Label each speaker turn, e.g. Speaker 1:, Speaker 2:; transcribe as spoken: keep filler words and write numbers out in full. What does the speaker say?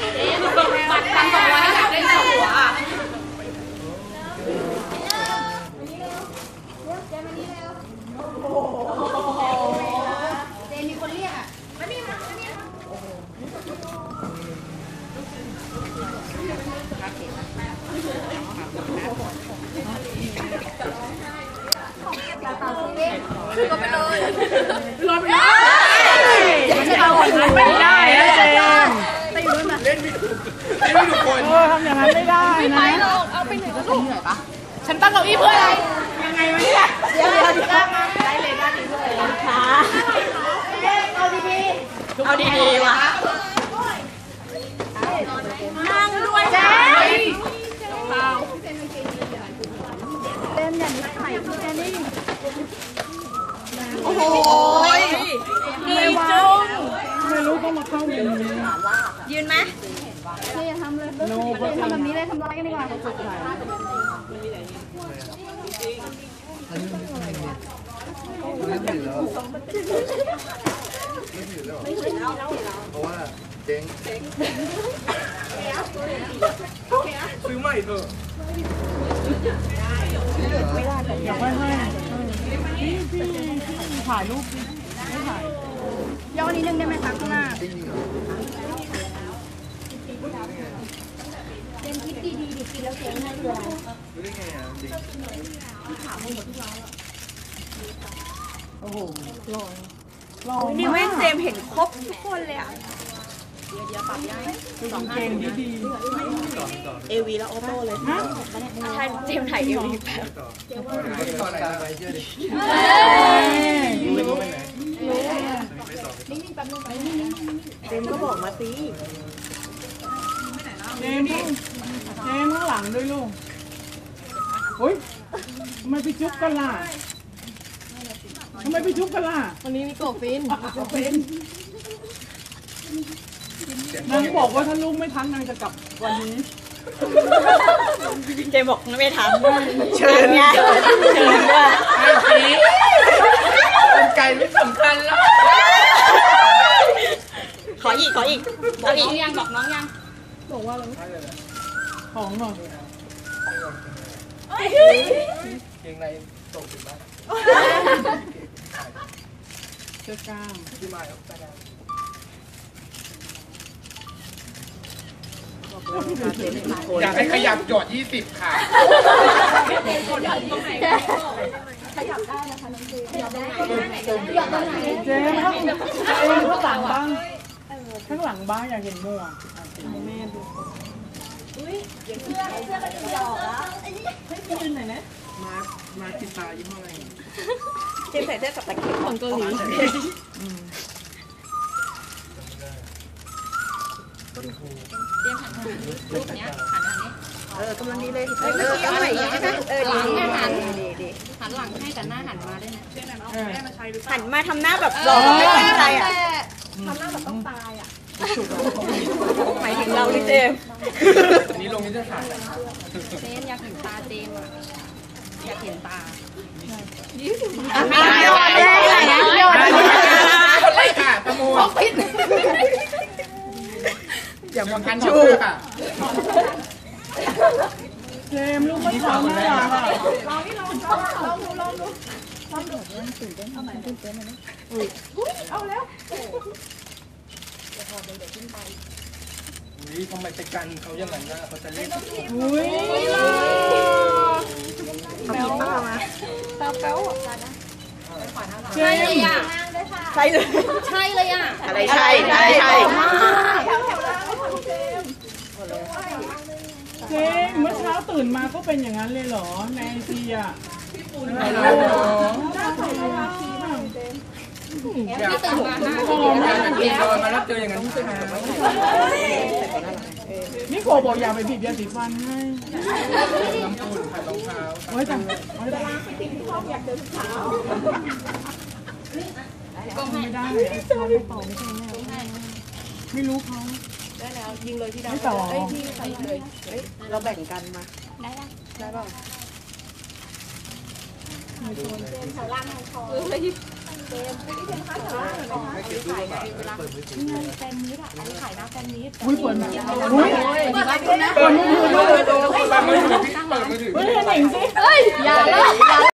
Speaker 1: บัตรพันสองร้อยอยากเล่นหัวอ่ะเจมีคนเรียกอ่ะไม่มีนะไม่มีนะก็ไปเลยรอไปเลยอย่าให้เราคนนั้นไม่ได้นะเจมไปอยู่นู่นนะเล่นไม่ถูกเล่นไม่ถูกคนทำอย่างนั้นไม่ได้นะไม่ไปหรอกเอาไปไหนก็ถูกเหนื่อยปะฉันตั้งเก้าอี้เพื่ออะไรยังไงวะเนี่ยเดี๋ยวเดี๋ยวดีกันมาได้เลยได้ดีเลยค่ะเอาดีๆเอาดีๆวะนั่งด้วยเจ๊เล่นอย่างนี้ไข่พี่แอนนี่โอ้โหดีจุ๊งไม่รู้ก็มาเข้ายืนยืนไหมไม่อย่าทำเลยทำแบบนี้เลยทำร้ายกันดีกว่า
Speaker 2: เพราะว่าเจ๊งซื้อใหม่เถอะ
Speaker 3: ไม่ได้แต่อยากให้ให้พี่พี่ถ่ายรูปไม่ถ่าย
Speaker 1: ย่อนิดนึงได้ไหมคะข้างหน้าเจนคิดดีดีดีกินแล้วเจ๊งให้ดูอะไร
Speaker 2: รู้ได้ไงอ่ะจริง
Speaker 3: โอ้โหหล่อหล่อ
Speaker 1: นี่เว้นเจมเห็นครบทุกคนเลยอ่ะเดี๋ยวเดี๋ยวปรับย้าย
Speaker 3: สองเกงดีดี
Speaker 1: เอวีแล้วออโต้เลยใช่เจมถ่ายเอวีแป๊บ
Speaker 2: ต่อไหนไปเชื่อดิรู้ไปไหน
Speaker 1: เจมก็บอกมาสิ
Speaker 3: เจมเจมข้างหลังด้วยลูกโอ้ยทำไมไปจุ๊บกันล่ะทำไมไปจุ๊บกันล่ะ
Speaker 1: วันนี้มีโกฟินโกฟิน
Speaker 3: นางบอกว่าถ้าลูกไม่ทันนางจะกลับวันนี้
Speaker 1: เจมบอกไม่ทันเชิญไงเชิญด้วย
Speaker 2: ไอ้ผีเป็นไก่ไม่สำคัญแล้ว
Speaker 1: ขออีกขออีกบอกน้องยังบอกน้องยัง
Speaker 3: บอกว่าอะไรของหน่อย
Speaker 2: เกงในตกถึงบ้าน
Speaker 3: เสื้อกล้าม
Speaker 2: ที่มาแล้วแต่อยากให้ขยับจอดยี่สิบค่ะ
Speaker 1: ขยับได้นะคะน้องเจขยับได้
Speaker 3: เจ๊ข้างหลังบ้างข้างหลังบ้างอยากเห็นหมวกแม่ดู
Speaker 1: อุ้ยเสื้อเสื้อมันหยอกแล้ว
Speaker 3: ให้พี่ยืนหน่อยนะมามาติดตายี่ห้ออะไร
Speaker 1: เจมใส่เสื้อกับตะเกียบของเกาหลีเตรียมหันทางนี้รูปเนี้ยหันทางนี้เออกำลังดีเลยเออเอาใหม่ใช่ไหมเออหลังหันดีดีหันหลังให้แต่หน้าหันมาได้นะช่วยหน่อยเอาแม่มาใช้หรือเปล่าหันมาทำหน้าแบบหล่อไม่ตั้งใจอ่ะทำหน้าแบบต้องตายอ่ะหมายถึงเราดิเจม
Speaker 2: นี้ลงนี้จะถ่าย
Speaker 1: เจมอยากเห็นตาเจมอ่ะอยากเห็นตา
Speaker 3: โยนได้นะโยน
Speaker 2: คนแรกค่ะประมูลอย่ามาพันชูค่ะ
Speaker 3: เจมลูกไม่ทำนะ
Speaker 1: ลองนี่ลองลองดูลองดูลองดูตื่นเต้นเอาใหม่ตื่นเต้นเลยอุ้ยเอาแล้วเดี๋ยวพอเดี๋ยวเดี๋ยวขึ้นไป
Speaker 2: อุ้ยทำไมไปกันเขาอย่างนั้นนะเขาจะเล่น
Speaker 3: อุ้ย
Speaker 1: เอาผีป้ามาตาเป้าอ่ะ
Speaker 3: ใช่เลยอ่ะ
Speaker 1: ใช่เลยใช่เลยอ่ะ
Speaker 3: อะไรใช่อะไรใช่เจ๊เมื่อเช้าตื่นมาก็เป็นอย่างนั้นเลยเหรอในไอซีอ่ะพี่ปูนเหรอน่าใส่เวลาพีบ้าง
Speaker 2: อยากตื่นมาหน้าที่เดียวมาแล้วเจออย่างนั้นใช่ไหม
Speaker 3: นี่โคบอกอยากไปผิดยาสีฟันให้
Speaker 2: น้ำปูนขัดรองเท้า
Speaker 3: ไว้จังไว้จัง
Speaker 1: อยากเดินเท้า
Speaker 3: ก็ไม่ได้เลยเราไม่ต่อไม่ใช่แม่ไม่รู้เขา
Speaker 1: ได้แล้วยิงเลยที่ดาว
Speaker 3: ไม่ต่อ
Speaker 1: เอ้ยพี่ใส่เลยเฮ้ยเราแบ่งกันมาได้ได้ได้ป่ะเจมส์แถวล่างทางคอ
Speaker 3: อุ้ยเปิดมาอุ้ย
Speaker 1: เปิดไลฟ์นะ
Speaker 2: เปิดมือถือเปิดมือถือเปิดมือถือ
Speaker 3: เฮ้ยเห็นหนิงสิ
Speaker 1: เฮ้ยอย่าเลยอย่า